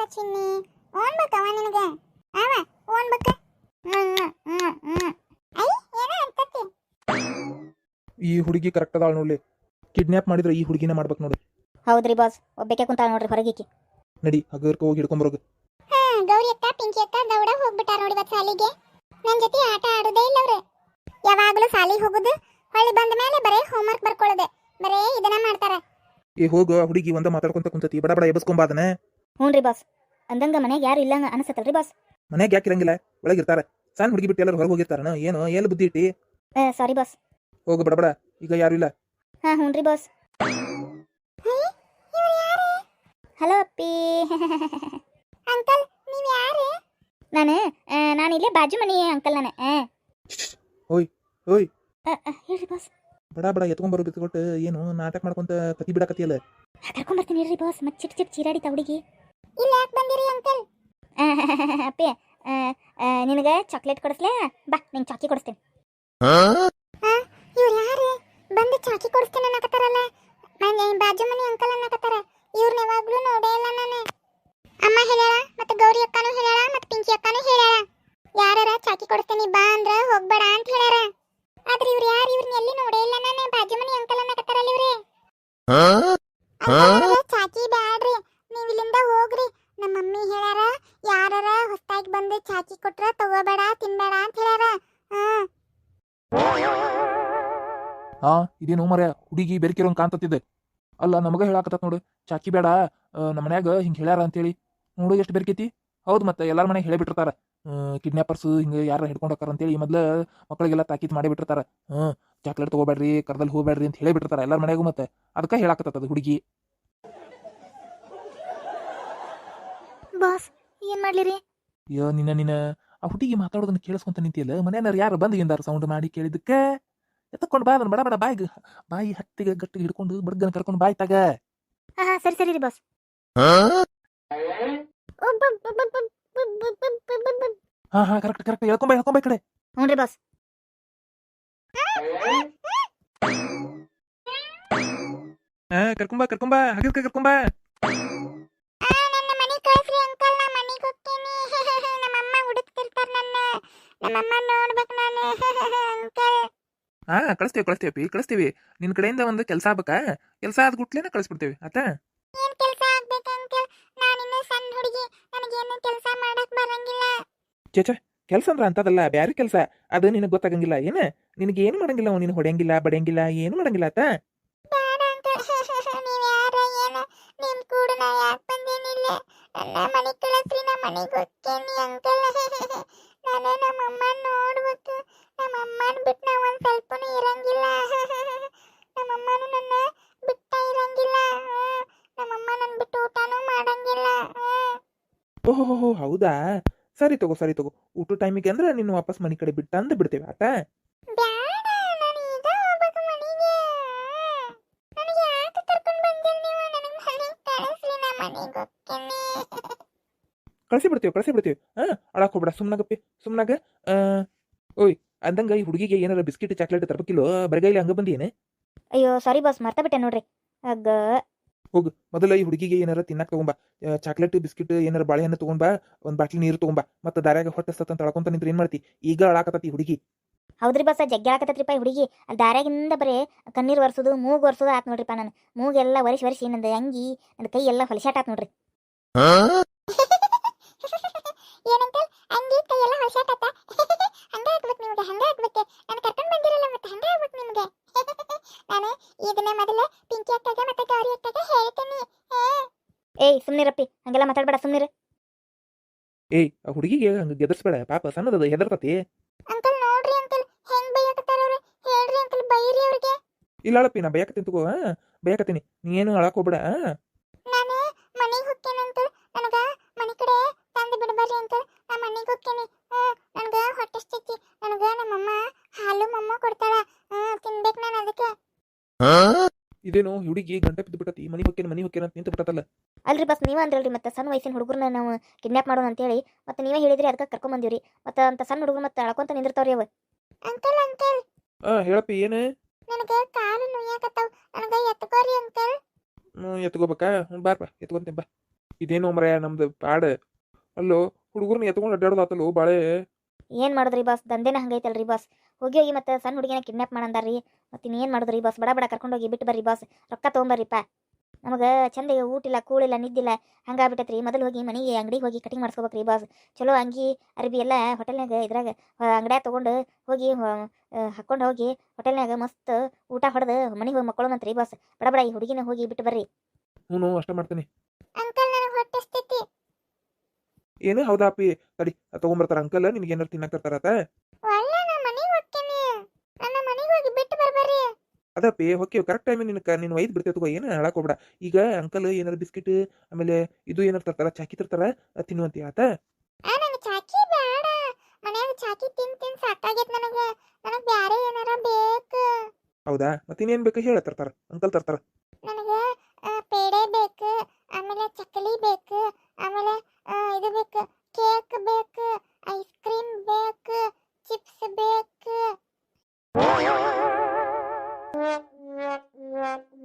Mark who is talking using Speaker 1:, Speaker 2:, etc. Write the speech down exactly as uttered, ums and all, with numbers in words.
Speaker 1: ಚಿನ್ನಿ ಓನ್ ಬೇಕವ ನಿನಗೆ ಅವ ಓನ್ ಬೇಕ ಐ ಏನ ಅಂತತಿ
Speaker 2: ಈ ಹುಡುಗಿ ಕರೆಕ್ಟ್ ಅದಾಳ ನೋಡ್ಲಿ. ಕಿಡ್ನಾಪ್ ಮಾಡಿದ್ರೆ ಈ ಹುಡುಗಿನ ಮಾಡ್ಬೇಕು ನೋಡಿ.
Speaker 3: ಹೌದ್ರಿ ಬಾಸ್, ಒಬ್ಬಕ್ಕೆ ಕುಂತಾಳ ನೋಡ್ರಿ ಹೊರಗಿಕ್ಕಿ.
Speaker 2: ನಡಿ ಹಗರ್ಕ ಹೋಗಿ ಹಿಡ್ಕೊಂಬರೋಗ.
Speaker 1: ಹಾ ಗೌರಿ ಅಕ್ಕ ಪಿಂಕಿ ಅಕ್ಕ ದೌಡ ಹೋಗ್ಬಿಟ್ಟಾರ ನೋಡಿ ಇವತ್ತು ಸಾಲಿಗೆ. ನನ್ ಜೊತೆ ಆಟ ಆಡೋದೇ ಇಲ್ಲ ಅವ್ರೆ. ಯಾವಾಗಲೂ ಸಾಲಿಗೆ ಹೋಗುದು, ಹೊಳ್ಳಿ ಬಂದ ಮೇಲೆ ಬರೇ ಹೋಮ್ವರ್ಕ್ ಬರ್ಕೊಳ್ಳೋದೆ, ಬರೇ ಇದನ್ನ ಮಾಡ್ತಾರ.
Speaker 2: ಏ ಹೋಗು, ಹುಡುಗಿ ಒಂದ ಮಾತಾಡ್ಕೊಂತ ಕುಂತತಿ, ಬಡ ಬಡ ಎಬಸ್ಕೊಂಬ ಅದನ್ನ.
Speaker 3: ಹ್ಞೂನ್ರಿ ಬಾಸ್, ಅಂದಂಗ ಮನ್ಯಾಗ ಯಾರು ಇಲ್ಲಂಗ ಅನಸತ್ತಲ್ರಿ ಬಾಸ್.
Speaker 2: ಮನ್ಯಾಗ ಯಾಕೆ ಇರಂಗಿಲ್ಲ, ಒಳಗಿರ್ತಾರ. ಸಣ್ಣ ಹುಡುಗಿ ಬಿಟ್ಟು ಎಲ್ಲರೂ ಹೊರಗೆ ಹೋಗಿರ್ತಾರನ ಏನು? ಎಲ್ಲಿ ಬುದ್ಧಿ ಇಟ್ಟಿ?
Speaker 3: Sorry boss.
Speaker 2: ಹೋಗು ಬಡ ಬಡ, ಈಗ ಯಾರು ಇಲ್ಲ.
Speaker 3: ಹಾ ಹ್ಞೂನ್ರಿ ಬಾಸ್. ಹಲೋ ಅಪ್ಪಿ.
Speaker 1: ಅಂಕಲ್ ನೀವ್ ಯಾರು?
Speaker 3: ನಾನು ನಾನು ಇಲ್ಲೇ ಬಾಜು ಮನಿ ಅಂಕಲ್ ನಾನು.
Speaker 2: ಓಯ್ ಓಯ್
Speaker 3: ಹೇಳ್ರಿ ಬಾಸ್.
Speaker 2: ಬಡ ಬಡ ಎತ್ಕೊಂಬರೋ ಬಿತ್ಕೊಟ್ಟು ಏನು ನಾಟಕ ಮಾಡ್ಕೊಂತ ಕತಿ ಬಿಡಾಕತಿಯಲ್ಲ.
Speaker 3: ಕರ್ಕೊಂಬರ್ತೀನಿ ಹೇಳ್ರಿ ಬಾಸ್. ಮತ್ತೆ ಚಿಟ್ ಚಿಟ್ ಚೀರಾಡಿ ಹುಡುಗಿ.
Speaker 1: ಇಲ್ಲ ಯಾಕೆ ಬಂದಿರಿ ಅಂಕಲ್?
Speaker 3: ಅಪ್ಪಿ ನಿನಗೆ ಚಾಕ್ಲೇಟ್ ಕೊಡಿಸ್ಲೇ? ಬಾ ನಿಂಗೆ ಚಾಕಿ ಕೊಡಿಸ್ತೀನಿ.
Speaker 1: ಇವ್ರು ಯಾರು ಬಂದು ಚಾಕಿ ಕೊಡಿಸ್ತೀನಿ ಅನ್ನಕತ್ತಾರಲ್ಲ, ಮನೆ ಬಾಜು ಮನಿ ಅಂಕಲ್ ಅನ್ನಕತ್ತಾರ. ಇವ್ರನ್ನ ಯಾವಾಗ್ಲೂ ನೋಡೇ ಇಲ್ಲ ನಾನು. ಅಮ್ಮ ಹೇಳ್ಯಾಳ, ಮತ್ತೆ ಗೌರಿ ಅಕ್ಕನೂ ಹೇಳ್ಯಾಳ, ಮತ್ತೆ ಪಿಂಕಿ ಅಕ್ಕನೂ ಹೇಳ್ಯಾಳ, ಯಾರಾರ ಚಾಕಿ ಕೊಡಿಸ್ತೀನಿ ಬಾ ಅಂದ್ರ ಹೋಗ್ಬೇಡ ಅಂತ ಹೇಳ್ಯಾರ. ಆದ್ರೆ ಇವ್ರು ಯಾರು? ಇವ್ರನ್ನ ಎಲ್ಲಿ ನೋಡೇ ಇಲ್ಲ ನಾನು. ಬಾಜು ಮನಿ ಅಂಕಲ್ ಅನ್ನಕತ್ತಾರಲ್ಲ ಇವ್ರೆ. ಚಾಕಿ ಬ್ಯಾಡ್ರಿ, ನೀವ್ ಇಲ್ಲಿಂದ ಹೋಗ್ರಿ. ನಮ್ಮ ಮಮ್ಮಿ ಹೇಳ್ಯಾರ ಯಾರಾರ ಹೊಸ್ತಾಗಿ ಬಂದು ಚಾಕಿ ಕೊಟ್ರ ತಗೋಬೇಡ ತಿನ್ಬೇಡ ಅಂತ ಹೇಳ್ಯಾರ. ಹ್ಮ್
Speaker 2: ಹಾ ಇದೇನು ಮರ ಹುಡುಗಿ ಬೆರ್ಕಿರೋಂಗ್ ಕಾಂತತ್ತಿದ್ದೆ. ಅಲ್ಲ ನಮಗ ಹೇಳಾಕತ್ತ ನೋಡು, ಚಾಕಿ ಬೇಡ ನಮ್ಮ ಮನ್ಯಾಗ ಹಿಂಗೆ ಹೇಳ್ಯಾರ ಅಂತೇಳಿ. ನೋಡು ಎಷ್ಟು ಬೆರ್ಕೈತಿ. ಹೌದು, ಮತ್ತೆ ಎಲ್ಲಾರ ಮನೆಗೆ ಹೇಳಿಬಿಟ್ಟಿರ್ತಾರ ಕಿಡ್ನಾಪರ್ಸ್ ಹಿಂಗೆ ಯಾರ ಹಿಡ್ಕೊಂಡು ಹೋಗ್ತಾರ ಅಂತೇಳಿ. ಮೊದ್ಲು ಮಕ್ಕಳಿಗೆಲ್ಲ ತಾಕೀತ್ ಮಾಡಿ ಬಿಟ್ಟಿರ್ತಾರ. ಹ್ಮ್ ಚಾಕ್ಲೇಟ್ ತಗೋಬೇಡ್ರಿ, ಕರ್ದಲ್ಲಿ ಹೋಗ್ಬೇಡ್ರಿ ಅಂತ ಹೇಳಿಬಿಟ್ಟಿರ್ತಾರ ಎಲ್ಲಾರ ಮನೆಯಾಗೂ. ಮತ್ತೆ ಅದಕ್ಕೆ ಹೇಳಾಕತ್ತದ ಹುಡುಗಿ.
Speaker 3: ಬಾಸ್ ಏನ್ ಮಾಡ್ಲಿರಿ?
Speaker 2: ಅಯ್ಯೋ ನಿನ್ನ ನಿನ್ನ ಆ ಹುಡುಗಿ ಮಾತಾಡೋದನ್ನ ಕೇಳಿಸ್ಕೊಂತ ನಿಂತಿಯಲ್ಲ, ಮನೆಯವ್ರು ಯಾರು ಬಂದು ಏನಾರ ಸೌಂಡ್ ಮಾಡಿ ಕೇಳಿದಕ್ಕೆ ಎತ್ತಕೊಂಡು ಬಾ ಅದನ್ನ ಬಡ ಬಡ ಬಾಯಿಗೆ ಬಾಯಿ ಹತ್ತಿಗೆ ಗಟ್ಟಿಗೆ ಹಿಡ್ಕೊಂಡು ಬಡ್ಗನ ಕರ್ಕೊಂಡು ಬಾಯಿ ತಗ.
Speaker 3: ಹಾ ಹಾ ಸರಿ ಸರಿ ರೀ ಬಾಸ್.
Speaker 2: ಹಾ ಹಾ ಕರೆಕ್ಟ್ ಕರೆಕ್ಟ್ ಹೇಳ್ಕೊಂಬ ಹೇಳ್ಕೊಂಬ ಈ ಕಡೆ.
Speaker 3: ಹ್ಞೂನ್ರಿ ಬಾಸ್.
Speaker 2: ಹಾ ಕರ್ಕೊಂಬ ಕರ್ಕೊಂಬ ಹಗರ್ಕ ಕರ್ಕೊಂಬ.
Speaker 1: ನನ್ನ ಮನೆ ಕಳ್ಸ್ರಿ ಅಂಕಲ್, ನಾ ಮನೆಗೆ ಹೋಗ್ತೀನಿ. ನಮ್ಮಮ್ಮ ಹುಡುಕ್ತಿರ್ತಾರ ನನ್ನ. ನಮ್ಮಮ್ಮ ನೋಡ್ಬೇಕು ನಾನು ಅಂಕಲ್.
Speaker 2: ಹಾ ಕಳಿಸ್ತೀವಿ ಕಳಿಸ್ತೀವಿ ಕಳಿಸ್ತೀವಿ. ನಿನ್ ಕಡೆಯಿಂದ ಒಂದು ಕೆಲಸ ಆಗ್ಬೇಕಾ? ಕೆಲಸ ಆದ ಗುಟ್ಲೇನ ಕಳಿಸ್ಬಿಡ್ತೇವೆ ಆತಾ.
Speaker 1: ಏನ್ ಕೆಲಸ ಆಗ್ಬೇಕು ಅಂಕಲ್? ನಾನಿನ್ನು ಸಣ್ಣ ಹುಡುಗಿ, ನನಗೇನು ಕೆಲಸ ಮಾಡಕ್ ಬರಂಗಿಲ್ಲ.
Speaker 2: ಚೇಚ ಕೆಲಸ ಅಂದ್ರ ಅಂತದಲ್ಲ, ಬ್ಯಾರೆ ಕೆಲಸ. ಅದು ನಿನಗೆ ಗೊತ್ತಾಗಂಗಿಲ್ಲ ಏನ? ನಿನಗೆ ಏನು ಮಾಡಂಗಿಲ್ಲ, ನೀನು ಹೊಡೆಯಂಗಿಲ್ಲ ಬಡಿಯಂಗಿಲ್ಲ, ಏನು ಮಾಡಂಗಿಲ್ಲ ಆತ.
Speaker 1: ಬೇಡ ಅಂಕಲ್, ನೀವ್ ಯಾರ ಏನು? ನಿಮ್ ಕೂಡ ನಾ ಯಾಕೆ ಬಂದೇನಿಲ್ಲ? ನನ್ನ ಮನೆ ಕಳಿಸ್ರಿ, ನಾ ಮನೆಗೆ ಹೋಗ್ತೀನಿ ಅಂಕಲ್. ನಾನು ನಮ್ಮಮ್ಮ ನೋಡ್ಬೇಕು. ನಮ್ಮಮ್ಮನ ಬಿಟ್ಟು ನಾ ಒಂದ್ ಸ್ವಲ್ಪನೂ ಇರಂಗಿಲ್ಲ. ನಮ್ಮಮ್ಮನು ನನ್ನ ಬಿಟ್ಟ ಇರಂಗಿಲ್ಲ. ನಮ್ಮಮ್ಮ ನನ್ ಬಿಟ್ಟು ಊಟನೂ ಮಾಡಂಗಿಲ್ಲ.
Speaker 2: ಓಹೋ ಹೌದಾ, ಸರಿ ತಗೋ ಸರಿ ತಗೋ. ಊಟ ಟೈಮಿಗೆ ಅಂದ್ರೆ ನಿನ್ನ ವಾಪಸ್ ಮನೆ ಕಡೆ ಬಿಟ್ಟು ಅಂದು ಬಿಡ್ತೇವೆ ಆತಾ.
Speaker 1: ಬ್ಯಾಡ, ನಾನು ಈಗ ಹೋಗ್ಬೇಕು ಮನೆಗೆ. ನನಗೆ ಯಾಕೆ ಕರ್ಕೊಂಡು ಬಂದಿಲ್ಲ ನೀವು? ನನಗೆ ಮನೆಗೆ ಕಳಿಸ್ರಿ, ನಾ ಮನೆಗೆ ಹೋಗ್ತೀನಿ.
Speaker 2: ಕಳಿಸಿ ಬಿಡ್ತೇವೆ ಕಳಿಸಿ ಬಿಡ್ತೇವೆ. ಹಾ ಅಳಕ್ ಹೋಗ್ಬೇಡ, ಸುಮ್ನಾಗಪ್ಪಿ ಸುಮ್ನಾಗ. ಓಯ್ ಅಂದಂಗ ಈ ಹುಡುಗಿಗೆ ಏನಾರ ಬಿಸ್ಕಿಟ್ ಚಾಕ್ಲೇಟ್ ತರಬೇಕಿಲ್ಲೋ? ಬರಗೈಲಿ ಹಂಗ ಬಂದಿ ಏನೇ?
Speaker 3: ಅಯ್ಯೋ ಸಾರಿ ಬಾಸ್, ಮರ್ತ ಬಿಟ್ಟೆ ನೋಡ್ರಿ. ಅಗ್ಗ
Speaker 2: ಹೋಗು ಮೊದಲ ಈ ಹುಡುಗಿಗೆ ಏನಾರ ತಿನ್ನಕ್ ತಗೊಂಬಾ. ಚಾಕ್ಲೇಟ್ ಬಿಸ್ಕಿಟ್ ಏನಾರ ಬಾಳೆಹಣ್ಣು ತಗೊಂಬಾ, ಒಂದ್ ಬಾಟ್ಲಿ ನೀರು ತಗೊಂಬಾ. ಮತ್ತೆ ದಾರ್ಯಾಗ ಹೊಟ್ಟೆ ಸತ್ತಂತ ಅಳ್ಕೊಂತ ನಿಂತ್ರ ಏನ್ ಮಾಡ್ತಿ? ಈಗ ಅಳಾಕತ್ತತಿ ಹುಡುಗಿ.
Speaker 3: ಹೌದ್ರಿ ಬಾಸ, ಜಗ್ಗಿ ಆಕತ್ತೈತ್ರಿಪ್ಪ ಈ ಹುಡುಗಿ. ಅಲ್ಲಿ ದಾರ್ಯಾಗಿಂದ ಬರೀ ಕಣ್ಣೀರು ಒರೆಸೋದು ಮೂಗು ಒರೆಸೋದು ಆತ್ ನೋಡ್ರಿಪ್ಪ. ನಾನು ಮೂಗೆಲ್ಲ ಒರೆಸಿ ಒರೆಸಿ ನಂದು ಅಂಗಿ ನನ್ನ ಕೈ ಎಲ್ಲ ಹೊಲಸಾಟ ಆತ್ ನೋಡ್ರಿ.
Speaker 1: ಏನಂಕಲ್ ಅಂಗಿ ಕೈ ಎಲ್ಲ ಹೊಸಾಟತ್ತ? ಹಂಗ ಆಗ್ಬೇಕು ನಿಮ್ಗೆ, ಹಂಗ ಆಗ್ಬೇಕು. ನಾನು ಕರ್ಕೊಂಡು ಬಂದಿರಲ್ಲ, ಮತ್ತೆ ಹಂಗ ಆಗ್ಬೇಕು ನಿಮ್ಗೆ. ನಾನು ಇದನ್ನ ಮೊದಲ ಪಿಂಕಿ ಅಕ್ಕಗೆ ಮತ್ತೆ ಗೌರಿ ಅಕ್ಕಗೆ ಹೇಳ್ತೀನಿ.
Speaker 3: ಏಯ್ ಸುಮ್ನಿರಪ್ಪಿ, ಹಂಗೆಲ್ಲ ಮಾತಾಡ್ಬೇಡ, ಸುಮ್ನಿರ.
Speaker 2: ಏಯ್ ಆ ಹುಡುಗಿಗೆ ಹಂಗ ಗೆದರ್ಸ್ಬೇಡ, ಪಾಪ ಸಣ್ಣದದ ಹೆದರ್ತತಿ.
Speaker 1: ಅಂಕಲ್ ನೋಡ್ರಿ ಅಂಕಲ್ ಹೆಂಗ್ ಬೈಯಕತ್ತಾರ ಅವ್ರು. ಹೇಳ್ರಿ ಅಂಕಲ್, ಬೈರಿ ಅವ್ರಿಗೆ.
Speaker 2: ಇಲ್ಲ ಅಳಪ್ಪಿ, ನಾ ಬಯಕತ್ತೀನಿ ತಗೋ. ಹಾ ಬಯಕತ್ತೀನಿ, ನೀ ಏನು ಅಳಕ್ ಹೋಗ್ಬೇಡ.
Speaker 1: ನಾನು ಮನೆಗೆ ಹೋಗ್ತೇನೆ ಅಂಕಲ್, ನನಗ ಮನೆ ಕಡೆ ತಂದು ಬಿಡಬಾರ್ರಿ ಅಂಕಲ್. ನಾ ಮನೆಗೆ ಹೋಗ್ತೇನೆ. ಹ್ಮ್ ನನಗ ಹೊಟ್ಟೆ ಸ್ಥಿತಿ, ನನಗ ನಮ್ಮಮ್ಮ ಹಾಲು ಮಮ್ಮ ಕೊಡ್ತಾಳ. ಹ್ಮ್ ತಿನ್ಬೇಕು ನಾನು ಅದಕ್ಕೆ.
Speaker 2: ಇದೇನು ಹುಡುಗಿ ಗಂಟೆ ಬಿದ್ದು ಬಿಟ್ಟತಿ, ಮನಿ ಹೊಕ್ಕೇನ ಮನಿ ಹೊಕ್ಕೇನ ಅಂತ ನಿಂತು ಬಿಟ್ಟತಲ್ಲ.
Speaker 3: ಅಲ್ರಿ ಬಸ್, ನೀವ ಅಂದ್ರಲ್ರಿ ಮತ್ತೆ ಸಣ್ಣ ವಯಸ್ಸಿನ ಹುಡುಗರನ್ನ ನಾವು ಕಿಡ್ನಾಪ್ ಮಾಡೋಣ ಅಂತೇಳಿ. ಮತ್ತೆ ನೀವೇ ಹೇಳಿದ್ರಿ, ಅದಕ್ಕೆ ಕರ್ಕೊಂಡ್ ಬಂದಿವ್ರಿ. ಮತ್ತೆ ಅಂತ ಸಣ್ಣ ಹುಡುಗರು ಮತ್ತೆ ಅಳ್ಕೊಂತ ನಿಂದಿರ್ತಾವ್ರಿ ಅವ.
Speaker 1: ಅಂಕಲ್ ಅಂಕಲ್
Speaker 2: ಹಾ ಹೇಳಪ್ಪಿ ಏನು?
Speaker 1: ನನಗ ಕಾಲು ನುಯ್ಯಾಕತ್ತಾವ, ನನಗ ಎತ್ಕೋರಿ ಅಂಕಲ್.
Speaker 2: ಎತ್ಕೋಬೇಕಾ? ಬಾರ್ಪ ಎತ್ಕೊಂತೀನಿ ಬಾ. ಇದೇನೋ ಮರ ನಮ್ದು ಪ್ಯಾಡ್ ಅಲ್ಲೋ ಹುಡುಗರ್ನ ಎತ್ಕೊಂಡು ಅಡ್ಡಾಡೋದಾತಲ್ಲೋ ಬಾಳೆ.
Speaker 3: ಏನು ಮಾಡಿದ್ರಿ ಬಾಸ್ ದಂಧೆನ ಹಂಗೈತಲ್ರಿ ಬಾಸ್. ಹೋಗಿ ಹೋಗಿ ಮತ್ತೆ ಸಣ್ಣ ಹುಡುಗಿನ ಕಿಡ್ನಾಪ್ ಮಾಡಂದಾರ್ರಿ. ಮತ್ತೆ ಇನ್ನೇನು ಮಾಡಿದ್ರಿ ಬಾಸ್, ಬಡ ಬಡ ಕರ್ಕೊಂಡೋಗಿ ಬಿಟ್ಟು ಬರ್ರಿ ಬಾಸ್, ರೊಕ್ಕ ತೊಗೊಂಬರ್ರಿಪ್ಪ. ನಮಗೆ ಚಂದ ಊಟಿಲ್ಲ ಕೂಳಿಲ್ಲ ನಿದ್ದಿಲ್ಲ ಹಂಗಾಗ್ಬಿಟ್ಟೈತ್ರಿ. ಮೊದಲು ಹೋಗಿ ಮನೆಗೆ ಅಂಗಡಿಗೆ ಹೋಗಿ ಕಟಿಂಗ್ ಮಾಡಿಸ್ಕೋಬೇಕ್ರಿ ಬಾಸ್. ಚಲೋ ಅಂಗಿ ಅರ್ಬಿ ಎಲ್ಲ ಹೋಟೆಲ್ನಾಗ ಇದ್ರಾಗ ಅಂಗಡ್ಯಾಗ ತೊಗೊಂಡು ಹೋಗಿ ಹಾಕ್ಕೊಂಡು ಹೋಗಿ ಹೋಟೆಲ್ನಾಗ ಮಸ್ತ್ ಊಟ ಹೊಡೆದು ಮನೆಗೆ ಹೋಗಿ ಮಕ್ಕಳೋಣಂತ್ರಿ ಬಾಸ್. ಬಡ ಬಡ ಈ ಹುಡುಗಿನ ಹೋಗಿ ಬಿಟ್ಟು ಬರ್ರಿ.
Speaker 2: ಹ್ಞೂ ಅಷ್ಟ ಮಾಡ್ತೀನಿ.
Speaker 1: ಅಂಕಲ್ ನನಗೆ ಹೊಟ್ಟೆಸ್ತೈತಿ.
Speaker 2: ಏನು ಹೌದಾ ಅಪ್ಪಿ, ತಡಿ ತಗೊಂಬರ್ತಾರ ಅಂಕಲ್, ನಿನ್ಗೆ ಏನಾರು ತಿನ್ನಕ್ ತರ್ತಾರತ.
Speaker 1: ಒಳ್ಳೆ ನಾ ಮನೆಗೆ ಹೋಗ್ತೀನಿ, ನನ್ನ ಮನೆಗೆ ಹೋಗಿ ಬಿಟ್ಟು ಬರ್ಬರ್ರಿ.
Speaker 2: ಅದಪ್ಪಿ ಹೊಕ್ಕೇವ್ ಕರೆಕ್ಟ್ ಟೈಮಿಗೆ ನಿನ್ನ ನೀನು ಒಯ್ದು ಬಿಡ್ತೇವೆ ತಗೋ, ಏನು ಹೇಳಕ್ ಹೋಗ್ಬೇಡ. ಈಗ ಅಂಕಲ್ ಏನಾರು ಬಿಸ್ಕಿಟ್ ಆಮೇಲೆ ಇದು ಏನಾರು ತರ್ತಾರ, ಚಾಕಿ ತರ್ತಾರ, ತಿನ್ನುವಂತಿ ಆತ.
Speaker 1: ಆ ನನಗೆ ಚಾಕಿ ಬೇಡ, ಮನ್ಯಾಗ ಚಾಕಿ ತಿನ್ ತಿನ್ ಸಾಕಾಗೈತೆ ನನಗೆ. ನನಗೆ ಬ್ಯಾರೆ ಏನಾರ ಬೇಕು.
Speaker 2: ಹೌದಾ, ಮತ್ತೆ ಇನ್ನೇನು ಬೇಕು ಹೇಳ, ತರ್ತಾರ ಅಂಕಲ್ ತರ್ತಾರ.
Speaker 1: ನನಗೆ ಪೇಡೆ ಬೇಕು, ಆಮೇಲೆ ಚಕ್ಕಲಿ ಬೇಕು, ಆಮೇಲೆ ಇದು ಬೇಕು, ಕೇಕ್ ಬೇಕು, ಐಸ್ ಕ್ರೀಮ್ ಬೇಕು, ಚಿಪ್ಸ್ ಬೇಕು.